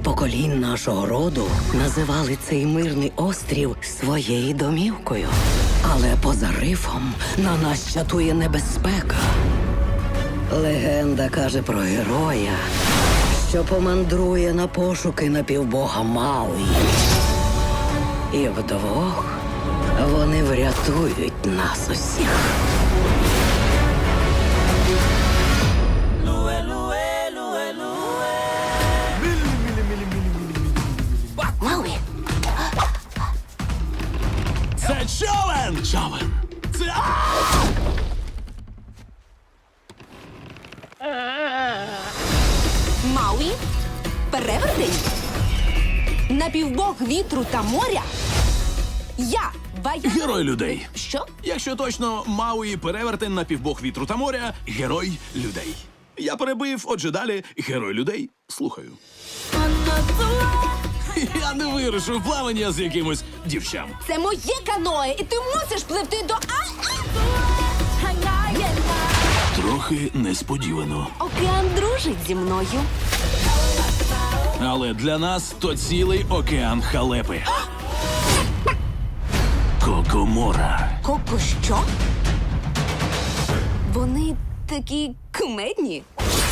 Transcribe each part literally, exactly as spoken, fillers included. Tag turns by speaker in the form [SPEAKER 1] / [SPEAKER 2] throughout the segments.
[SPEAKER 1] поколінь нашого роду називали цей мирний острів своєю домівкою. Але поза рифом на нас чатує небезпека. Легенда каже про героя, що помандрує на пошуки напівбога Мауї. І вдвох вони врятують нас усіх.
[SPEAKER 2] Мауі,
[SPEAKER 3] Це човен! Човен! Це...
[SPEAKER 2] Мауі, перевертень, напівбог вітру та моря. Я, Ваяна...
[SPEAKER 3] Герой людей.
[SPEAKER 2] Що?
[SPEAKER 3] Якщо точно, Мауї перевертень на півбог вітру та моря, герой людей. Я перебив, отже далі, герой людей. Слухаю. Я не вирушу в плавання з якимось дівчам.
[SPEAKER 2] Це моє каное, і ти мусиш пливти до... А-а!
[SPEAKER 3] Трохи несподівано.
[SPEAKER 2] Океан дружить зі мною.
[SPEAKER 3] Але для нас то цілий океан халепи. Кокомора.
[SPEAKER 2] Коко що? Вони такі кумедні.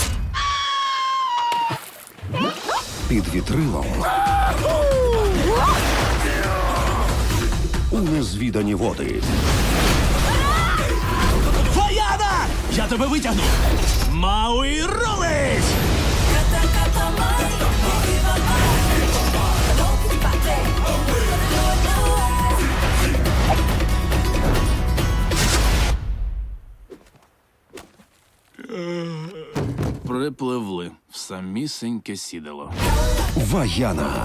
[SPEAKER 4] Під вітрилом у незвідані води.
[SPEAKER 3] Ваяна! Я тебе витягну! Мауї рулить! Припливли в самісіньке сідало.
[SPEAKER 4] Ваяна.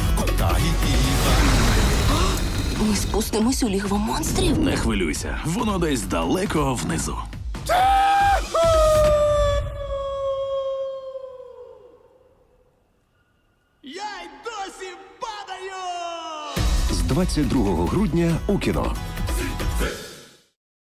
[SPEAKER 2] Ми спустимось у лігво монстрів.
[SPEAKER 3] Не хвилюйся, воно десь далеко внизу. Я й досі падаю!
[SPEAKER 4] З двадцять другого грудня у кіно.